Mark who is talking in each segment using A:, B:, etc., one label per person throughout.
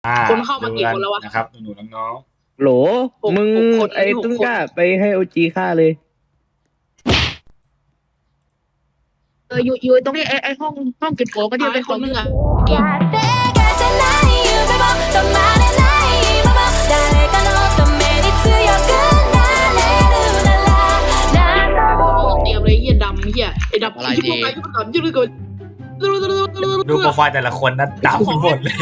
A: คนเข้ามากี่คนแล้ววะ
B: นะครับหนูๆน้อง
C: โหลมึงไอ้ตุ้งกล้าไปให้โอจีฆ่าเลย
D: อยู่ตรงนี้ไอ้ห้องเก็บของก็เดียวไป
A: คนนึงอ่ะเตรียมเลยเหี้ยดำเหี้ยไอ้ดำอะไรดียืดก่อน
B: ดูโปรไฟล์แต่ละคนนะดำหมดเลย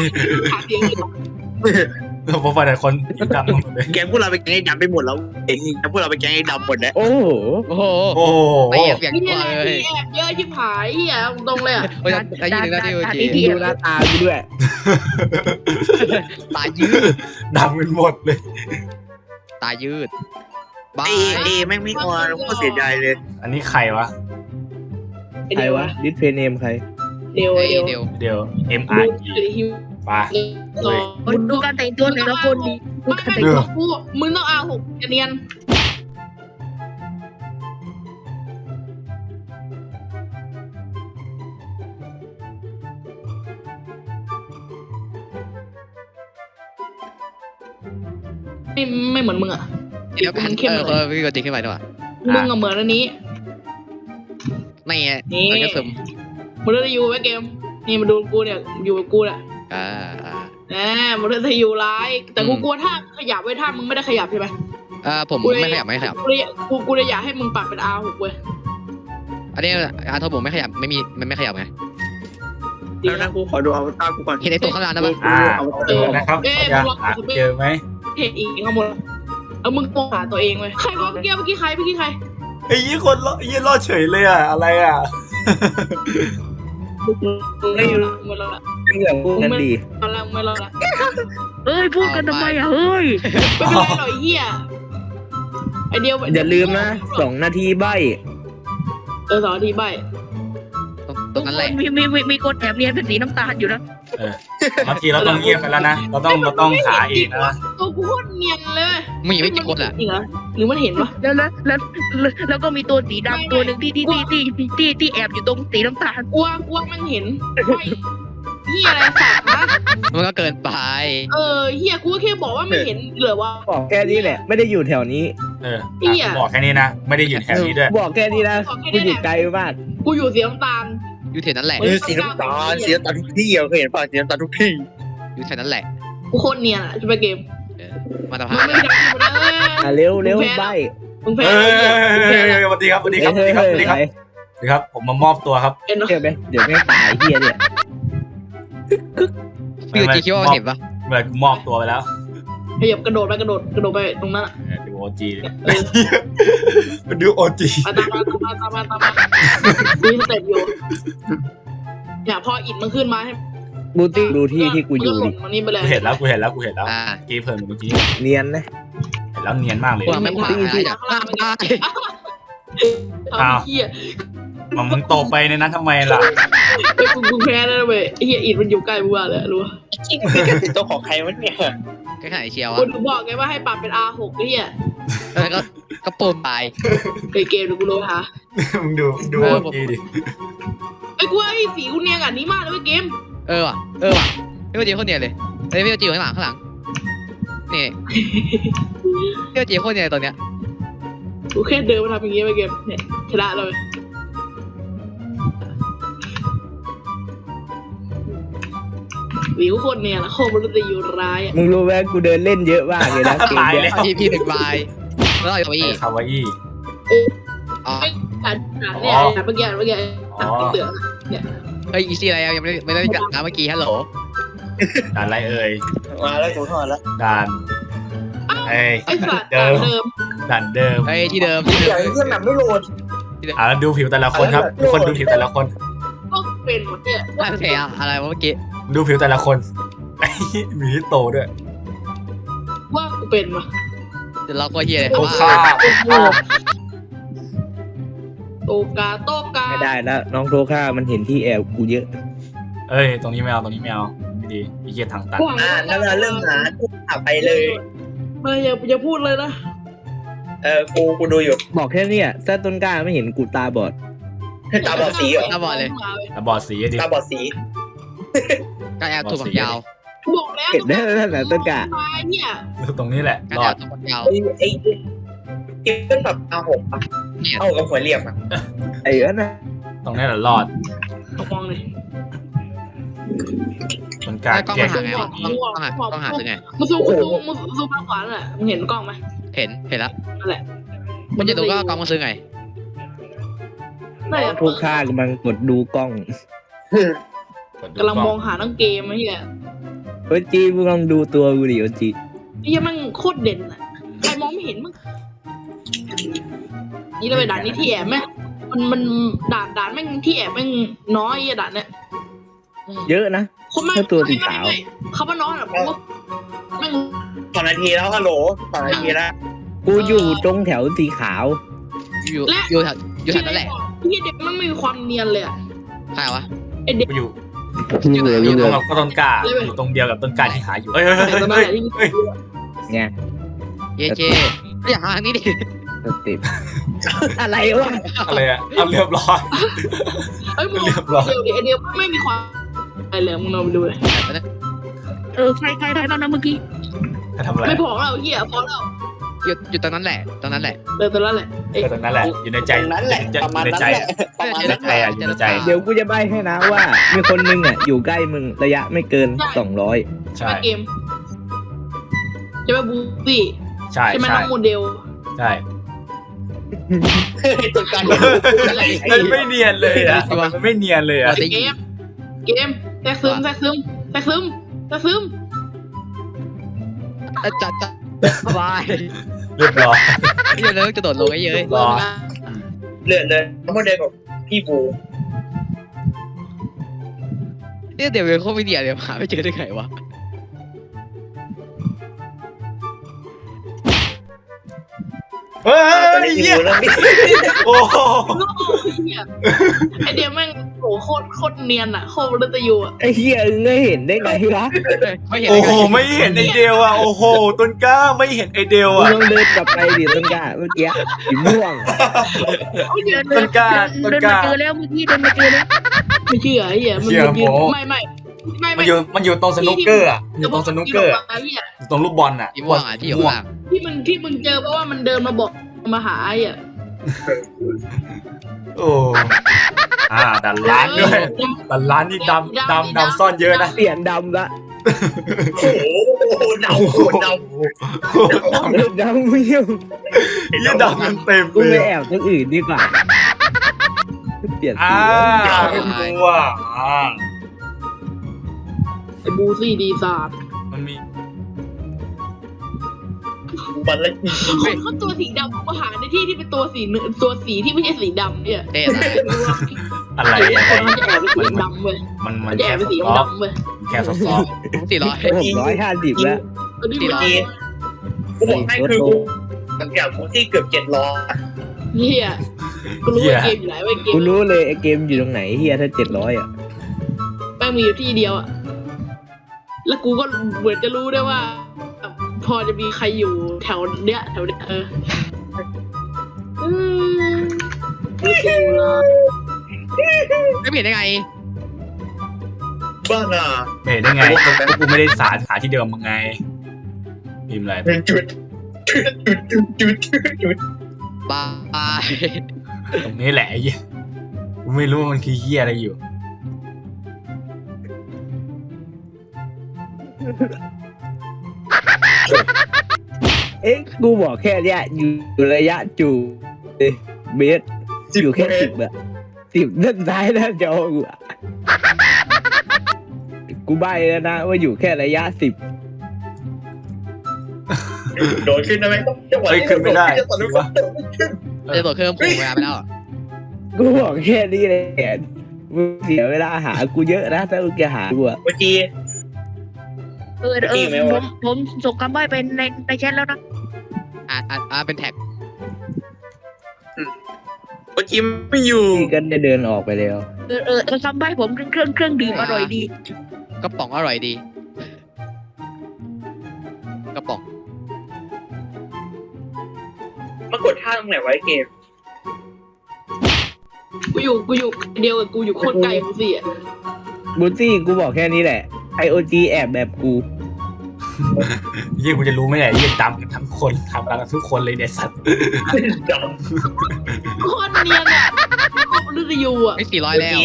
B: ดูโปรไฟล์แต่ละคนดำหมดเลย
E: แกพวกเราไปแกงไอ้ดำไปหมดแล้วเองพวกเราไปแกงไอ้ดำหมดแล้ว
C: โอ้โห
D: ไปแอบอย่างนี้
A: เลยแอบเยอะชิบหายเหี้ยตรงเลยอ่ะ
D: ไอ้ยืนนะที่
C: ดูหน้าตากูด้วย
D: ตายืด
B: ดำกันหมดเลย
D: ตายืด
E: เอแม่งไม่ออนก็เสียใจเลย
B: อันนี้ใครวะ
C: ใครวะดิสเพย์เนมใคร
A: เดี๋ยว
B: MR ป่ะ
D: ดูการแต่งตัวแต่ละคนดี
A: ดูการแต่งตัวกูมึงต้องเอาหกเนียนไม่เหมือนมึงอ่ะ
D: เดี๋ยวกันพี่ก็ติ๊กขึ้นไปด้วย
A: มึงเหมือนอันนี้
D: ไม่ไงมันก็ซึม
A: มึงได้อยู่ไว้เกมนี่มาดูกูเนี่ยอยู่กับกูแหละมึงได้อยู่ร้ายแต่กูกลัวถ้าขยับไว้ถ้ามึงไม่ได้ขยับใช่ไหม
D: ผมไม่ขยับ
A: กูเลยอยากให้มึงปรับเป็น R6 เว้ย
D: อันนี้Rผมไม่ขยับมันไม่ขยับไง
E: แล้วนะกูขอดูเอาตากูก่อน
D: เห็นไอ้ตัวข้างล่างนะป่ะ
B: นะครับเจอไหม
A: เห็นอีกข้างบนมึงโกงหาตัวเองเว้ยใครวะเมื่อกี้ใคร
B: ไอ้ยี่คนยี่รอดเฉยเลยอ่ะอะไรอ่ะ
A: ไม่อยู่ไม่รอละ
C: ไม่เหลือพูดกันดี
A: ไม่รอละ
D: พูดกันทำไมอ่ะเฮ้ย
A: ไม่เป็นไรหรอกเหี้ยไอเดียว
C: อย่าลืมนะ2 นาทีใบ
A: 2 นาทีใบ
D: ตรงนั้นแหละ
F: มีคนแอบเรียนเป็นสีน้ำตาลอยู่นะ
B: บางทีเราต้องเงียบไปแล้วนะเราต้องหาอีกนะ
A: ตัวกูโคตรเนียนเลย
D: มึงยังไม่กี่คนอ่ะ
A: หรือมันเห็นปะ
F: แล้วก็มีตัวสีดำตัวหนึ่งที่แอบอยู่ตรงสีน้ำตาล
A: กลัวมันเห็นเฮียอะไรสัตว์นะ
D: มันก็เกินไป
A: เฮียกูแค่บอกว่าไม่เห็นเหลือว่า
C: บอกแค่นี้แหละไม่ได้อยู่แถวนี้
B: บอกแค่นี้นะไม่ได้อยู่แถวนี้ด้วย
C: บอกแค่นี้นะกูอยู่ไกลมาก
A: กูอยู่สีน้ำตาล
D: อยู่แถวนั้นแหละ
E: สีน้ำตาลทุกที่เคยเห็นป่ะสีน้ำตาลทุกที่
D: อยู่แถวนั้นแหละ
A: กูโคตรเนียนจะไปเกม
D: มาตาพ
C: าเร็วใบ
A: มึงแพ้
B: สวัสดีครับผมมามอบตัวครับ
C: เดี๋ยวไม่ตายเฮียเนี่ย
D: พี่จีคิดว่าเห็นปะ
B: เมื่อมอบตัวไปแล้ว
A: ขยับกระโดดไปตรงนั้น
B: ดูโอจีดูโอจี
A: ตามดูสเต็ปอยู่เนี่ยพออิดมันขึ้นมาให้
C: ดูที่กูอยู่ดิ
B: กูเห็นแล้วกี้เพิ่มเมื่อกี้
C: เนียนนะ
B: เห็นแล้วเนียนมากเลย
D: ไม่ผ่าน
A: เฮีย
B: มึงโตไปในนั้นทำไมล่ะ
A: กูแพ้แล้วเว้ยเฮียอิดมันอยู่ใกล้มึงเลยรู้
E: ตัวของใครวะเนี่ย
D: ก็ขายเชียว
A: กูบอกไงว่าให้ปรับเป็น R6 ไอ้เหี้ย
D: ก็ปุ่มไป
A: เกมดูกูเลยฮะ
B: มึงดูดีดิ
A: ไอ้กูไอ้สีกูเนียนอันนี้มากเลยเกม
D: ว่ะพี่โอจีคนเนียนเลยพี่โอจีอยู่ข้างหลังนี่พี่โอจีคนเนียนตัวเนี้ย
A: กูแค่เดินมาทำอย่างงี้ไปเกมเนี่ยชนะเลยวิวคนเนี่ยนะโคมันจะอยู่ร้าย
C: มึงรู้ไหมกูเดินเล่นเยอะมากเลยนะเกม
B: เนี้ย
D: พี่1 ใบแล้วค
B: าวาอี้
A: การเนี่ยเมื่อกี้เตือนเนี่ย
D: อีซี่อะไรยังไม่ได้จัดนะเมื่อกี้ฮัลโหล
B: ด่านอะไร
E: มาแล้วกูถอดแล้ว
B: ด่าน
A: ไอ้สัตว์เดิม
D: ที่เดิม
E: เครื่องแบบไม่โหลด
B: แล้วดูผิวแต่ละคนครับทุกคนดูผิวแต่ละคน
A: ก็เป็นหมดเนี่ย
D: อะไรวะเมื่อกี้
B: ดูผิวแต่ละคนมีที่โตด้วย
A: ว่ากูเป็นวะ
D: เดี๋ยวเราก็เฮียเลย
B: โตกา
C: ไม่ได้แล้วน้องโตค่ามันเห็นที่แอบกูเยอะ
B: ตรงนี้ไม่เอาไม่ดีพี่เกียร์ทางตัน
E: แล้วเราเริ่มหาไปเลย
A: ไม่อย่าพูดเลยนะ
E: กูดูอยู่
C: บอกแค่นี้ซะต้นกล้าไม่เห็นกูตาบอด
E: ตาบอดสีเหรอ
D: ตาบอดเลย
B: ตาบอดสี
E: ตาบอดสี
D: ก็แอบถูกยาว
A: บอกแล้ว
C: เห็นได้แล้วนะต้นกะ
A: มาเนี่ย
B: ตรงนี้แหละ
D: การ
B: รอ
D: แอ
B: ด
D: บตรงคนยาว
E: ไอ้เก็บเป็นแบบA6อ่ะเอากับหัวเหลี่ยมอ่ะ
C: ไอ้นั่นนะ
B: ตรงนี้แหละรอด
A: มองเลย
B: ต้นกล้า
D: กล้อง
B: แก้
D: มาหาไงวะต้องหาหรือไง
A: มึงซูมภาพขวาน่ะมึงเห็นกล้องไหม
D: เห็นแล้ว
A: นั่นแหละ
D: มันจะดูก็กล้องมาซื้อไง
A: นั่นแหละ
C: พวกข้ากำลังกดดูกล้อง
A: กำลังมองหาทั้งเกมไอ้เหี้ย
C: โอ้จีมึงลองดูตัวกูดิโอ้จี
A: ไอ้เหี้ยมันโคตรเด่นอ่ะใครมองไม่เห็นมึงนี่เราไปด่านนี้ที่แอบไหมมันด่านแม่งที่แอบแม่งน้อยไอ้ด่านเนี้ย
C: เยอะนะ
A: คนไม่
C: แค่ตัวสีขาว
A: ไม่เขาว่าน้อยอ่ะผมว่าแม่ง
E: 2 นาทีแล้วฮัลโหล2 นาทีแล้ว
C: กูอยู่ตรงแถวสีขาว
D: อยู่แถวนั่นแหละ
A: พี่เด็กมันไม่มีความเนียนเลยอ่ะ
D: ใช่วะ
A: ไอเด็ก
B: กูอยู่
C: อยู่เลย
B: อ
C: อยู่ ยู่
B: ต
C: เล
B: รง
C: ย
B: กับต้นกล้าอยู่ตรงเดียวกับต้นกล้าที่หาอยู่เฮ้ยเฮ้ย
A: แต่ตอนนั้น
B: เฮ้ย
A: แหละที่
B: เฮ้ย
C: ไง
D: เยอย่าหาทางนี้ดิ
C: สเต็ปอะไรวะ
B: อะไรอะเอาเรียบร้อย
A: เอ้ยมึง
B: เรียบร้อย
A: เดี๋ยวไอเดียวไม่มีความอะไรเลยมึงลองไปดูเลย
F: ใครบ้างนะเมื่อกี้
B: จะทำอะไร
A: ไม่พอแล้วเหี้ยพอแล้ว
D: อยู่ตรงนั้นแหละตรงนั้นแหละ
A: เดินตอนนั้นแหละไอ้
B: ก็ตรงนั้นแหละอยู่ในใจ
E: นั่นแหละ
B: อยู่
E: ประมาณ
B: ใน
E: นั้น
B: ใจ
E: แหละประมาณ
B: อยู่ใน
E: นั้น
B: ใจอะอยู่ในใจ
C: เดี๋ยวกูจะใบ้ให้นะว่า มีคนนึงอ่ะอยู่ใกล้มึงระยะไม่เกิน200
B: ใช่
A: เกมจะไปบูซี่
B: ใช่
A: ใช่ไหม
B: ใช่
A: น้องโมเดล
B: ใช่
E: ตัวการ
B: มันไม่เนียนเลยอะมันไม่เนียนเลยอะ
A: เกมแทรกซึม
D: จัดสบาย
B: เรียบร้อย
D: ที่จะเลิกจะโดดลงไอ้เย้ย
B: รอ
E: เลื่อนเลยโมเดลกับพี่บู
D: นี่เดี๋ยวเป็นโควิดเดี๋ยวหาไม่เจอได้ไงวะ
B: เฮ้
E: ตอน
B: ย
E: นี้พี่
B: เหี้ย
E: บูเริ่มมี
B: โอ้โห
A: ไอเดียแม่งโหโคตรเนียนอ่ะโคตรรัตยูอ่ะ
C: ไอ้เหี้ยเงยเห็นได้ไงวะ
D: ไม่เห็น
B: โอ้โหไม่เห็นไอเดียวอะโอ้โหต้นกล้าไม่เห็นไอเดียว
C: มึง
B: อะ
C: ลองเดินกลับไปดิต้นกล้าเมื่อกี้สีม่วง
B: ต้นกล้า
F: เดินมาเจอแล้วเมื่อกี้เดินมาเจอแล้ว
A: ไม่เชื่อไอ้เหี้ยมันยืนไม่
B: มันอยู่ตรงสนุกเกอร์อะอยู่ตรงสนุกเกอร์อะ
A: ไอ้เหี้ย
B: อยู่ตรงลูกบอลอะ
D: ที่ม่วงอ่ะที่อยู่ข้างล่าง
A: ที่มึงเจอเพราะว่ามันเดินมาบอกมาหาไอ้อ่ะ
B: โอ้ดันล้านด้วยดันล้านนี่ดำซ่อนเยอะนะ
C: เปลี่ยนดำละ
E: โอ้โหเดาโคตรเดา
C: ดำไม่ยุ่ง
B: ยี่ดำกันเต็ม
C: กู
B: เล
C: ไป
B: ย
C: แอบที่อื่นดีกว่าเปลี่ยนสี
B: ตัว
A: ไอ้บูซี่ดีซาร์
B: มันมี
E: บันละอี
A: เขาตัวสีดำมาหาในที่ที่เป็นตัวสีที่ไม่ใช่สีดำเนี่ย
D: เต้นะ
B: อะไร
A: คนมันจะแอบเป็นสีดำเว้ย
B: มัน
A: มันจะแอบเป็นสีดำเว้ย
B: แค่ซอฟ
C: 650แล้ว
A: ตอนนี้มัน
E: กูบอกให้คือกูตั้งแต่กูที่เกือบ700
A: เฮียกูรู้ว่าเกมอยู่ไหนว่าเกม
C: กูรู้เลยไอ้เกมอยู่ตรงไหนเฮียถ้า700อ่ะ
A: แม่งมีอยู่ที่เดียวอ่ะแล้วกูก็เหมือนจะรู้ได้ว่า พอจะมีใครอยู่แถวเนี้ยไม่ถูกละ
D: ไม่เห็นได้ไง
E: บ้าน่ะ
B: เห็นได้ไงกูไม่ได้สาที่เดิมมึงไงพิมพ์อะไร
E: จุด
D: บาย
B: ตรงนี้แหละไอ้เหี้ยกูไม่รู้มันคือเหี้ยอะไรอยู่
C: เอ๊ะกูบอกแค่เนี้ยอยู่ระยะจูเบสอยู่แค่10อะ10ด้านซ้ายด้านจอกูอะกูใบแล้วนะว่าอยู่แค่ระยะ10
E: โดดขึ้นได้ไหมจังหวะ
B: ขึ้นไม่ได้
E: จะตอนนี้ก็
D: จะโดดเครื่องผมเวลาไปแล้ว
C: กูบอกแค่นี้เลยมึงเสียเวลาหากูเยอะนะถ้ามึงจะหากูอะ
E: เมื่อกี้
F: ผมส่งคำใบ้ไปในแชทแล้วนะ
D: เป็นแท็ก
E: เมื่อกี้ไม่อยู่
C: พี่ก็ได้เดินออกไปแล้ว
F: คำใบ้ผมเครื่องดื่มอร่อยดี
D: กระป๋องอร่อยดีกระป๋อง
E: มากดท่าตรงไหนไว้เกม
A: กูอยู่เดียวกับกูอยู่โคตรไกลบูซี่อ่ะ
C: บูตี้กูบอกแค่นี้แหละรโอจีแอบแบบกู
B: ยี่กูจะรู้ไหมเนี่ยยี่ดำกันทั้งคนทำกันทุกคนเลยเนี่ยสัตว์
A: โคตรเนียนอ่ะมนุษย์ยูอ่ะ
D: ไม่400แล้ว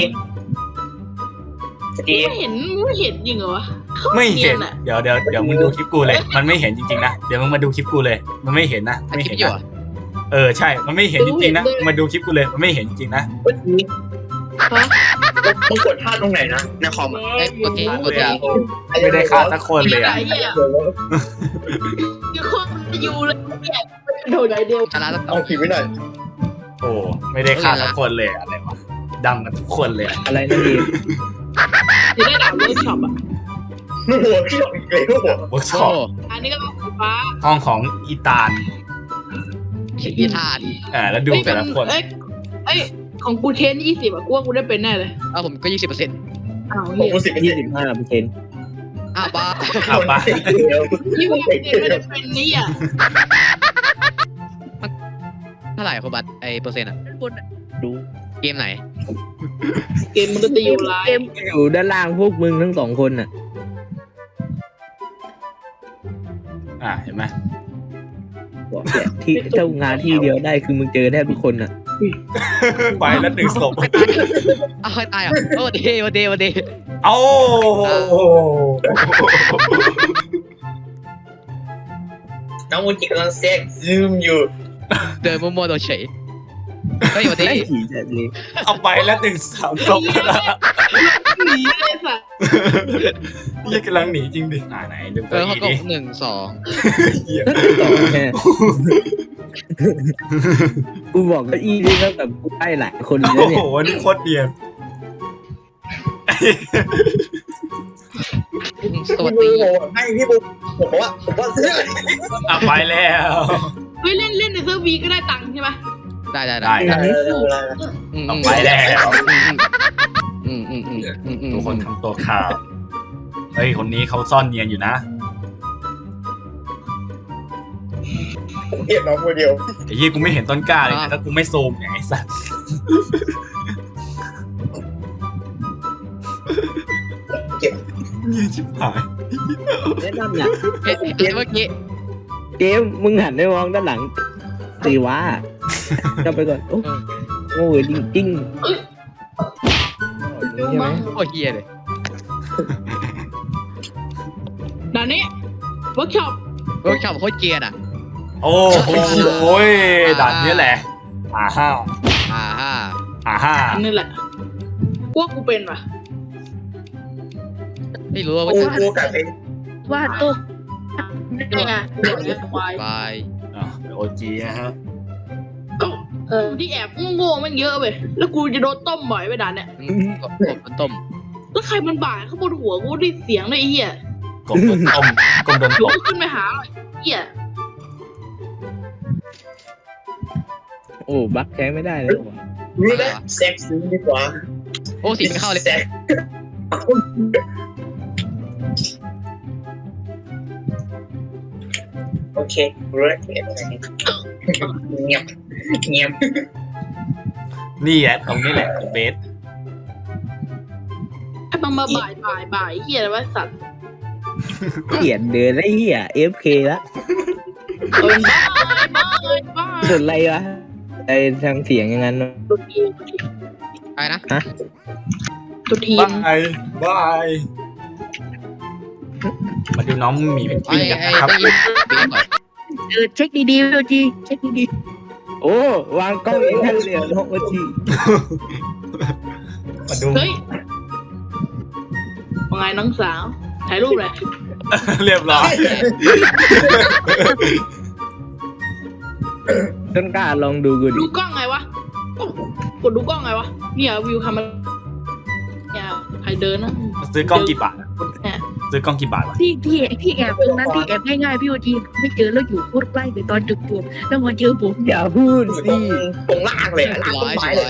A: ไม่เห็นจริงเหรอวะ
B: ไม่เห็น
A: อ่ะ
B: เดี๋ยวมึงดูคลิปกูเลย มันไม่เห็นจริงๆนะเดี๋ยวมึงมาดูคลิปกูเลย มันไม่เห็นนะไม่
D: คิ
B: เห็
D: ด
B: น
D: อยู่
B: นะใช่มันไม่เห็นจริงๆนะมาดูคลิปกูเลยมันไม่เห็นจริงๆนะ
E: มึงกดท่าตรงไหนนะในคอม
D: ไอ้กดที
B: ไม่ได้ฆ่าสักคนเลยอ่ะ
A: ไอ้เหี้ยคือโคตรมนุษย์ยูเลยเนี่ยโดนไอเดียว
D: ชนะแล้ว
E: เอาผิดไม่ได้
B: โอ้ไม่ได้ฆ่าสักคนเลยอะไรวะดำกันทุกคนเลย
C: อะไรนั่นเอง
A: จะได้ด่าเวิร์กช็อปอ่ะ
E: หัวพี่หลอกอีกเลยหัว
B: เวิร์กช็
D: โอ้
B: อป
A: อันนี้ก็ต้องสีฟ้า
B: ห้องของอีตาล
D: อีทาน
B: แล้วดูแต่ละคน
A: เอ้ยของกูเทน20อ่ะกูว่ากูได้เป็นแน่เลย
D: เอาผมก็ 20%
A: อ้าว
E: ผม
A: เฮีย
E: กู10%
C: 25%
D: อ้าวบ้า
B: เอาไป
A: ยี่สิบไม่ได้เป็นนี่อ่ะ
D: เท่าไหร่คุณบัตไอ้เปอร์เซ็นต์อะ
F: ด้านบนอะ
C: ดู
D: เกมไหน
A: เกมมันก็จะอยู่ไล
F: เกม
A: ฟ์
C: อยู่ด้านล่างพวกมึงทั้ง2คนน่ะ
B: เห็นไหม
C: บอกเนี่ยที่เจ้างานที่เดียวได้คือมึงเจอแทบทุกคนน่ะ
B: ไปแล้วหนึ่งศพ
D: อ้าวใครตายอ่ะโอ้เดวันเด
B: เอ้า
E: น้องมูจิกำลังแทรกซึมอยู่
D: เดินมัวๆโดนเฉยเฮ้ยวันเด
C: ไอ้ผีจัดเลย
B: เอาไปแล้วหนึ่งสามศพ
A: หนีเลยสัส
B: ยี่กำลังหนีจริงดิไหนดู
D: เอ
B: ตัว
D: อเขา
B: อี
D: ก
B: ดิ
D: ด1 2
B: เหี้ย
C: ต่อแค่กูบอกก็อีนี่แล้วแบบกูได้หลายคนเลย
B: โอ้
C: เนี่ย
B: โหนี่โคตรเดียน
D: สวัส
E: พี่
D: ดี
E: บูให้พี่บูผมว่าเสื้อ
B: ไปแล้ว
A: เฮ้ยเล่นในเซิร์ฟวีก็ได้ตังค์ใช่ไหม
D: ได้
B: ไปแล้ว ทุกคนทำตัวข่าวเฮ้ยคนนี้เขาซ่อนเนียนอยู่นะ
E: ผมเห็นน้องคนเดียว
B: ไอ้ยี่กูไม่เห็นต้นกล้าเลยนะถ้ากูไม่ซูมอย่างไอ้สัตว์เงียชิบหาย
C: แนะนำน่ะ
D: เมื่อกี้
C: เกมมึงหันไปมองด้านหลังสิวะจะไปก่อนโอ้ยจริงใช่ไหม
D: โอ้เฮียเลย
A: ด่านนี้เวิร์กช็อป
D: เวิร์กช็อปโคตรเกียร์อ่ะ
B: โอ้โหด่านนี้แหละห้า
A: อันนี้แหละพวกกูเป็นว่ะ
D: ไม่รู้ว่า
E: กูกับไอ้
F: ว่าโต๊ะ
A: นี่ไงเด็กเลี้ยงควาย
D: บาย
B: โอจีนะฮะ
A: ก็ที่แอบโง่ๆมันเยอะไปแล้วกูจะโดนต้มบ่อยไปด่านเนี่ย
D: กบต้ม
A: แล้วใครมันบ่ายเขาบนหัวกูได้เสียงเลยไอ้เหี้ย
B: กบโดนต้มกบโดน
A: หรือ
B: ตบ
A: ว่าขึ้นไปหาไอ้เหี้ย
C: โอ้บักใช้ไม่ได้แล้วว่ะ
E: นี่นะแซ็กซ์ดีกว่า
D: โอ้สีไม่เข้าเลย
E: แซ็กโอเครู้แล้วเงียบ
B: นี่แหละตรงนี้แหละเบส
A: ไอ้มันมาบ่ายเหี้ยอะไรวะสัตว์
C: เขียนเดินไอ้เหี้ย FK ละ
A: บ้า
C: สุดอะไรวะไอ้ทางเสียงอย่างนั้น
A: ตัวทีม
D: อะไรนะ
A: ตัวทีม
B: บายมาดูน้องหมีเป็นปีกันนะครับ
D: ได้ยินเบียร์ก่อน
F: เช็คดีๆโอจีเช็คดี
C: โอ้วางกล้องเองทันเลยน้องโอจี
B: มาดู
A: เฮ้ยว่าไงน้องสาวถ่ายรูปเลย
B: เรียบร้อย
C: ต้นกล้าลองดูกูดิ
A: ดูกล้องไงวะกดดูกล้องไงวะเนี่ยวิวทำมันเนี่ยใครเดินนะ
B: ซื้อกล้องกี่บาทซื้อกล้องกี่บาทวะ
F: ๆที่แอบตรงนั้นที่แอบง่ายๆพี่โอจีไม่เจอแล้วอยู่โคตรใกล้เลยตอนจุดตัวแล้วมาเจอผม
C: อย่าพูดสิ
E: ตรงล่างเลยล่างต้นไม้เลย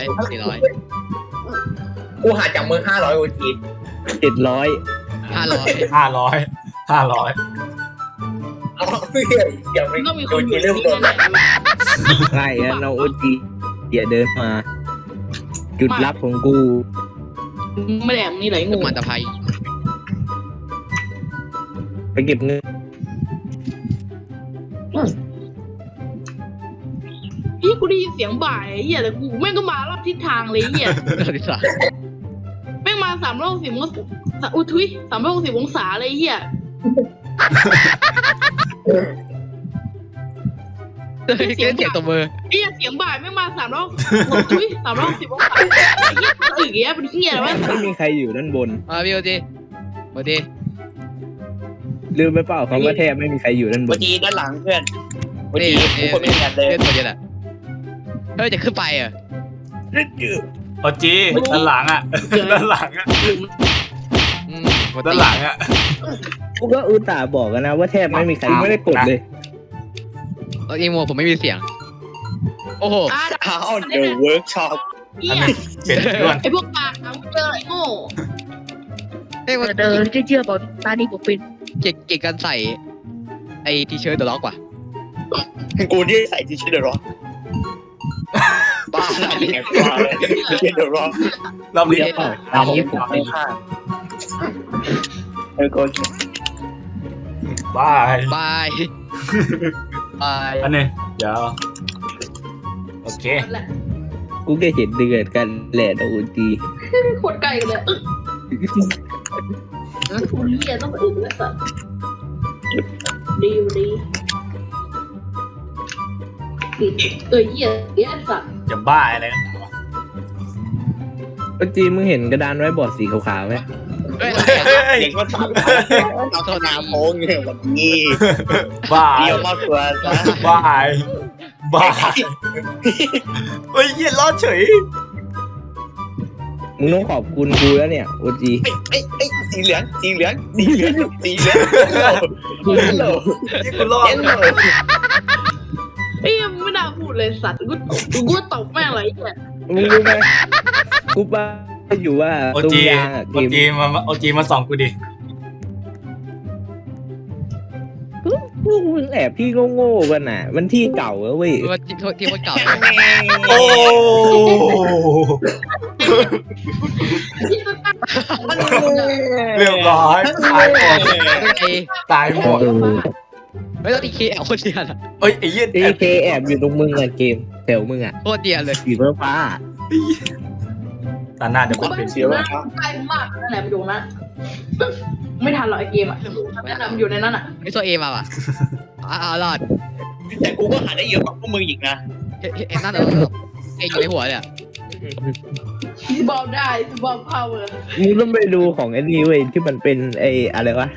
E: กูหาจากมือ500 OG
C: 700
D: 500
E: เอาเพื่อนอย่าไป
A: ก็มีค
E: โด
A: น
E: น
A: อยู่
E: เรื่อง
A: ที่
E: โดน
A: นั่นแหละ
C: ง่ายอะน้องโอจีอย่าเดินมา จุดลับของกู
A: ไม่แดงนี่ไหลงู
D: มันตะไคร้
C: ไปเก็บเงิน
A: พี่กูได้ยินเสียงบ่ายไอ้เหี้ยแต่กูแม่งก็มารอบทิศทางเลยไอ้เหี้ย
D: ที่สาม
A: แม่งมา360องศาอุ้ยทุย360องศาเลยไอ้เหี้ย
D: เสียงตบมือ
A: ไอ้เหี้ยเสียงบ่ายแม่งมา360ทุย360องศาไอ้เหี้ยตึกเงี้ยเป็นเหี้ยอะไรวะ
C: ไม่มีใครอยู่ด้านบน
D: มาพี่โอจีโอจี
C: ลืมไปเปล่าคำว่าแทบไม่มีใครอยู่ด้านบ
E: เมื่อน กี้ด้านหลังเพื่อนเมื่อ
D: นี่
E: กี้กูคนไม่มีกันเลย
D: เพื่อนตัวเดียวแหละเฮ้ยจะขึ้นไปอ่ะ
B: โอจีด้านหลังอ่ะด้านหลังอ่ะ
D: หมด
B: ด้านหลังอ่ะ
C: กูก็อุตส่าห์บอกกันนะว่าแทบไม่มีใครไม่ได้กดเลย
D: อีโมผมไม่มีเสียงโอ้โห
E: อ้าวเดี๋ยวเวิร์กช็อป
A: เหี้
B: อัน
A: ย
B: นี้เป็นด้วน
A: ไอ้พวกปากนะมึงเจออะไรโง่
D: เฮ้ยมัน
F: เชื่อเปล่าตานี้ผมเป็น
D: เก่งกันใส่ไอทีเชิร์ตเดอะล็อกว่ะ
E: กูนี่ใส่ที่ชื่อเดอะร็อกบ้าอะไรเนี่ยบ้าเลยชื่อเดอะร็อก
B: รอบนี้
C: ตามนี้ผมเป็น
E: ก็
B: บาย
D: บายบาย
B: อันนี้เดี๋ยวโอเค
A: นั่นแหละ
C: กูแค่เห็นเดือดกันแหละนะอุจี
A: โคตรไกลกันเลยทุเรียนต้องไปอื่นแล้วสัตว์ดีเหี้ยเหี้ยสัตว์
B: จะบ้าอะไรกันวะ
C: อุจีมึงเห็นกระดานไว้บอร์ดสีขาวๆไหม
D: เฮ้ย
E: เด็กมาถามเอาธนาโพงเนี่ยวันนี้
B: บ้า
E: เดียวมาตัวนะ
B: บายบายเฮ้ยเหี้ยรอดเฉย
C: มึงต้องขอบคุณกูแล้วเนี่ยอุจี
E: ไอ้สีเหลืองสีเหลืองสีเหลืองสีเหลืองเยลโล่
B: ที่กูรอด
E: เยลโล่
A: เอ้ยไม่น่าพูดเลยสัตว์กูตบแม่งเลยเนี่ย
C: มึงรู้ไหมกูป้าอยู่ว่า
B: โอ
C: ตรง
B: จี
C: ยางอะเก
B: โอ
C: ม
B: จีมาโอจีมาส่องกูดิ
C: พวกมึงแอบพี่โง่ๆกันน่ะ มันที่เก่าอะเว้ย
D: ว่าที่คนเก่า
B: โอ้ เรียบร้อยตายหมด
D: ไอ้
B: ตายหมด
D: ไม่ต้องตีเคแอลคนเดียวอะ
B: เอ้ยไอ้เหี้ย
C: เอเคแอบอยู่ตรงมึงอะเกมแถวมึงอะ
D: โคตรเดียวเลย
C: สีฟ้า
B: ตาหน้าเดี๋ยว
A: กู
B: กู
A: ไม่
B: เป็น
A: เสียว่าใกล้มากนั่นแหละไปดูนะไม่ทันหรอกไอเกมอ่ะนั่นแหละมันอยู่ในนั้นอ่ะ
D: ไม่ตัวเอมาว่ะรอด
E: แต่กูก็หาได้เยอะกว่าพวกมึงอีกนะ
D: เอ็นนั่นเหรอเอ็นอยู่ในหัวเลย
A: บอลได้บอลพาวเวอร์
C: ๆมึงต้องไปดูของไอ้นี่เว้ยที่มันเป็นไอ้อะไรวะ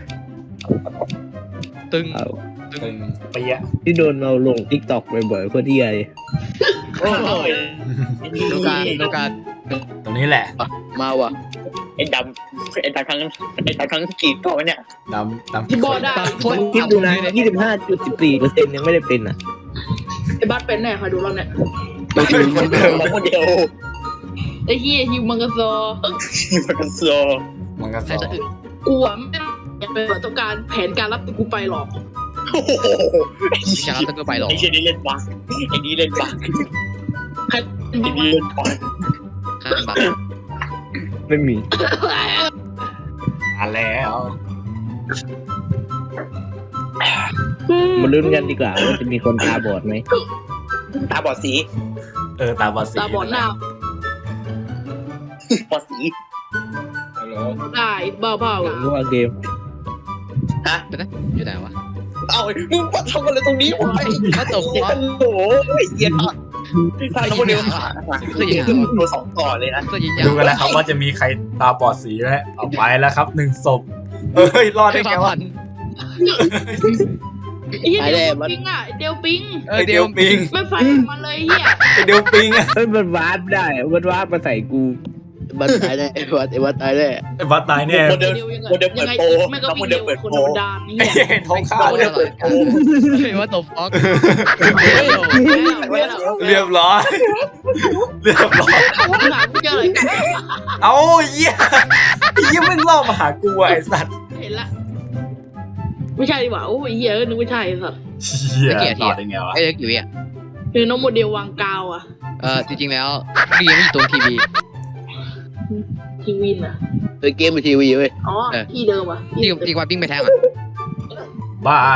D: ตึง
B: ตึงเปียะ
C: ที่โดนเราลงทิกตอกบ่อยๆโคตรเที่ยเลย
E: โอ้ย
D: ดูการ
B: ตรงนี้แหละ
D: มาว่ะ
E: ไอ้ดำทั้งกี่ตัวเนี่ย
B: ดำดำ
A: ที่บอลได้
C: คิดดูนะ 25.14% ยังไม่ได้เป็นอ่ะ
A: ไอ้บัสเป็นแน่คอยดูเราเนี่ย
E: คนเดียวคนเดียว
A: ไอ้เฮียฮิวมังกรซอ
E: มันก็โซ
B: มันก็
D: ใคร
B: สอ
D: จะ
B: ง
D: อึ
A: กูอ่ะไม่อยากเป็นแบบต้องการแผนการรับตัวกูไปหรอก
E: โอ้โห
D: จะรับตัวไปหรอ
E: ไอ้เชี่ยนี่เล่นบักไอ้นี่เล่นบัก
A: ใคร
E: ไอ้นี่เล่นบัก
D: ข้ามบัตร
C: ไม่มี
B: มาแล้ว
C: มาลุ้นกันดีกว่าว่าจะมีคนตาบอดไหม
E: ตาบอดสี
B: ตาบอดสี
A: ตาบอดหน้า
E: บอดสี
A: ได้บ้าเปล่า
C: รู้ว่าเกม
D: อยู่ไหนวะ
E: เอามึงมาทำอะไรตรงนี้วะ
D: ก็ตบ
E: โอ้
D: ว่า
E: โหเย็นอ่ะถ้าเราเดียวตัวสองต่อเลยนะ
D: ก็ยิงยา
B: ดูกันนะครับว่าจะมีใครตาบอดสีไหมเอาไปแล้วครับ1 ศพเฮ้ยรอดได้ไงวะ
A: ไอ้เฮียเดลปิงอ่ะเดลปิง
B: ไอเดียวปิง
A: ไม่ไฟมันเลยเฮีย
B: ไอเดียวปิงอะ
C: เฮ้ยมันวาร์ปได้มันวาร์ปมาใส่กู
G: บัตรตายแน่ไอ้บัตรตายแน่
B: ไอ้บัตตายแน่
E: โมเดล
A: ยังไงแม่ก็วิ่งเร็วคนธรรมดานี่
B: ไอ้
A: เฮีย
B: เห็นท้องข้าว
E: โมเดลเปิดโปร
D: เฮ้ยว่าตบฟอก
B: เรียบร้อยเรียบร้อย
A: หากูเจออะไรกัน
B: เอาเหี้ยไอ้เหี้ยมึงล่อมาหากูไอ้สัตว์
A: เห็นละไม่ใช่ดีกว่าโอ้ยเฮียนึกไม่ใช่สัตว์
B: เหี้ยรอดได้ไงวะ
D: ไอ้เล็กอยู่อ่ะ
A: คือน้องโมเดลวางกาวอ่ะ
D: จริงๆแล้วดีไม่อยู่ตรงทีวี
A: ทีวินอ่ะ
G: เกมเป็นทีวีเว้ย
A: อ๋อที่เดิมอ่ะ
D: ดีกว่าปิ้งไปแทงอ่ะ
B: บาย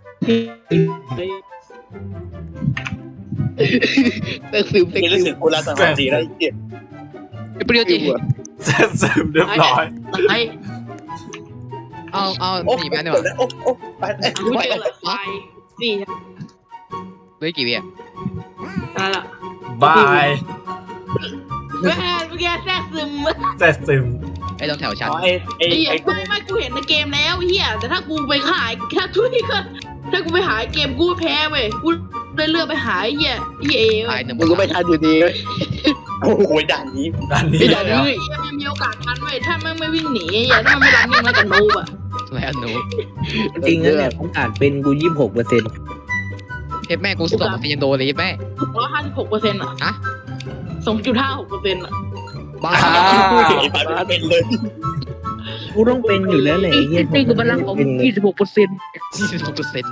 G: เต็มซึมเต็ม
E: นี่รู้
G: ซึ
E: สึ
G: ม
E: กกูรักสังหารดีแล้วไอ้เหี้ย
D: เปรี้ยวจี
B: เสร็จซึมเรียบร้อย
A: ตาย
D: เอาหนีไปดีกว่า
E: โอ้ไป
A: กูเจอละตายนี่
D: เหลือกี่วิอ่ะ
A: นั่นแหละ
B: บาย
A: แม่เมื่อกี้แทรกซึม
B: เสร็จซึม
D: ไอ้ตรงแถวชั้น
E: อ๋อไอ้
A: ไอ้เหี้ยไม่กูเห็นในเกมแล้วเฮียแต่ถ้ากูไปขายถ้าทุยก็ถ้ากูไปหาเกมกูแพ้เว้ยกูเลยเลือกไปหาไอ้เฮียเอ
D: ตายหนึ่ง
G: มึงก็ไม่ทันอยู่ดีเว้ย
E: โอ้โหด่านนี้
B: ด้านนี้
G: ไม่ทัน
B: แล้ว
G: เลย
A: เฮียมันมีโอกาสทันเว้ยถ้ามันไม่วิ่งหนีไอ้เฮียถ้ามันไม่รันนิ่งแล้วกันโนบอ่ะ
D: แล้วหนู
C: จริงนะเนี่ยโอกาสเป็นกู26%
D: เทปแม่กูสอบมันยังโดนเลยแม่
A: 156%อ่ะ 2.56%อ่ะ
D: บ้า
E: ไอ้ปาไม่เป็นเลย
C: กูต้องเป็นอยู่แล้วแหละไอ้เหี้ย
F: นี่คือพลังของ26%
D: 26%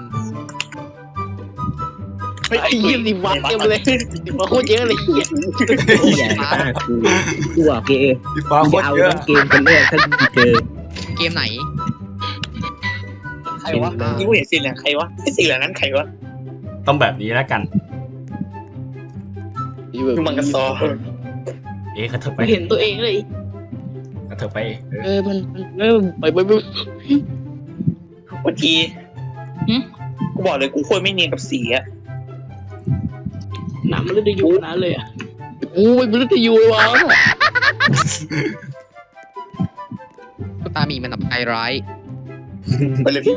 G: ไอ้เยี่ยมดิวัดเต็มเลยมาโคตรเยอะเลยเหี้ย
C: ใหญ่มากกูบอกเกม
B: พี่ฟ้า
C: กู
B: โค
C: จะ
B: ตร
C: เอา
B: เยอะ
C: ทั้งเกมเป็นเรื่องถ้ากูเจอ
D: เกมไหน
E: ใครวะนี่กูเห็นสีเหลืองใครวะไอ้สีเหลืองนั้นใครวะ
B: ต้องแบบนี้แล้วกัน
E: คือมังกรซอ
B: กระเถิบไป
A: เห็นตัวเองเลย
B: กระเถิบไป
G: มันไป
E: วันทีกูบอกเลยกูควรไม่เนียนกับสีอะ
A: หนามันเลยจะอยู่นะเลยอ่ะ
G: กูไม่รู้จะอยู่วะ
D: กูตามีมันอับไอร้าย
E: ไปเลย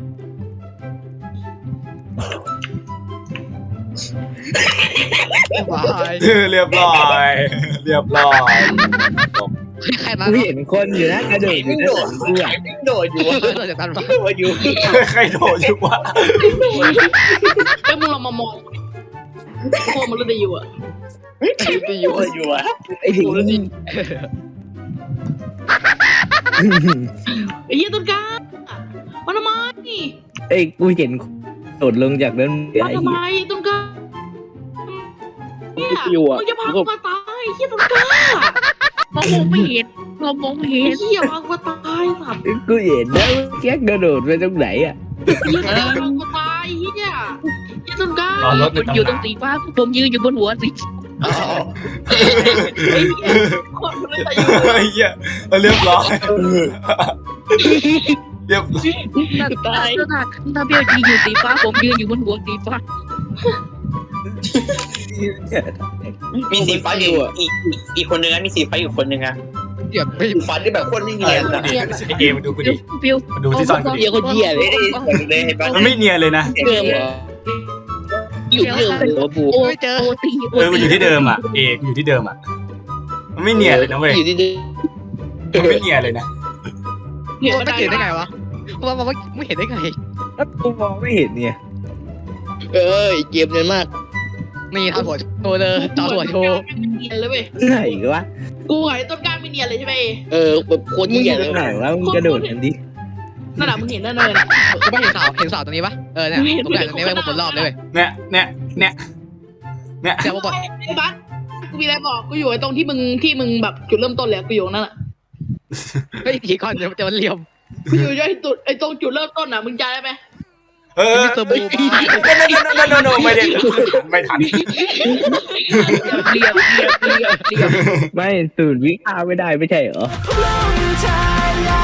D: บาย
B: เรียบร้อย เรียบร้อย
D: ใครมา
C: กูเห็นคนอยู่นะกระโดดอยู่นะกูอ่ะ
E: โดดอยู่วะ
D: เราจะตันบ้า
E: โดดอยู่
B: ใครโดดอยู่วะ
A: ไอ้มึงลองมามองโคมันเลยจะอยู่อ่ะ
E: จะอยู่อยู่วะ
C: ไอ้ถึง
A: ไอ้เหี้ยต้นกล้ามันทำไม
C: ไอ้กูเห็นโดดลงจากนั้น
A: มันทำไมต้นกล้าเนี่ย
G: อยู่อ่ะ
A: มึงจะพากูมาตายไอ้เหี้ยต้นกล้า
F: เรามองไม่เห็นเรามองไม่เห็
A: ไอ้
F: น
A: เหี้ยพากูมาตายสัตว์
C: กูเห็นนะแก๊กกระโดดไปตรงไหนอ่ะ
A: ไอ้เหี้ยพากูมาตายไอ้เหี้ยไอ้ต้นกล้าร
B: อรถใน
F: อยู่
B: ตำ
F: ตร
B: นาง น
F: สีฟ้าผมยืนอยู่บนหัวสี
A: ไอ้เหี้ยคนมันเลยจะอยู่
B: เฮ้ยเหี้ยเรียบร้อยเรียบ
F: ตายถ้าเบี้ยวยืนอยู่สีฟ้าผมยืนอยู่บนหัวสีฟ้า
E: มีสีฟ้าอยู่อีกคนนึงนะมีสีฟ้าอยู่คนนึงอะ
D: เดี๋ยวไม่
E: สีฟ้าที่แบบโคตรไม่เนียนอะ
B: ไอเกมมาดูกูดิ
F: เบี้ยว
B: มาดูที่ซ่อนกูดิ
G: เหี้ยคนเหี้ยเลย
E: เลยเห็นปะ
B: มันไม่เนียนเลยนะ
G: เดิมเหรออยู่เดิมหัวบู
D: ไม่เจอ
F: โอตี
B: มันอยู่ที่เดิมอ่ะ มันอยู่ที่เดิมอ่ะ มันไม่เนียนเลยนะเว้ย
G: อยู่ที่เดิม
B: มันไม่เนียนเลยนะ
A: เห็น
D: ไม่เห็นได้ไงวะว่าไม่เห็นได้ไง
C: แล้วกูมองไม่เห็นเนี่ย
G: เอ้ยเกมเนียนมาก
D: นี่ทำหัวโชว์เลยต่อหัวโชว์
A: เนียนเลยเว้ย
C: ไหนวะ
A: กูไอ้ต้นกล้าไม่เนียนเลยใช่ไหม
G: แบบโคตร
C: มึง
G: เหี้
C: อย ยู่
G: เล
C: ตร
G: ย
C: งไหนวะมึงกระโดดกันดิ
A: นั่นแหละมึงเห็นนั่นเลย
D: กูไม่เห็นเสาตรงนี้ปะเนี่ยผมอยากตรงนี้ไปบนรอบเลย
B: เนี่ย
D: เดี๋ยวบอก
A: ไอ้บัสกูมีอะไรบอกกูอยู่ไอ้ตรงที่มึงแบบจุดเริ่มต้นเลยกูอยู่นั่นแหละ
D: เฮ้ยทีก่อนจะมันเหลี่ยม
A: กูอยู่ไอ้ตรงจุดเริ่มต้นน่ะมึงจำได้ไหม
D: มิสเตอร์บูมา
B: ไม่ทัน
F: เรียบ
C: ไม่สูตรวิชาไม่ได้ไม่ใช่เหรอ
H: ลงทาง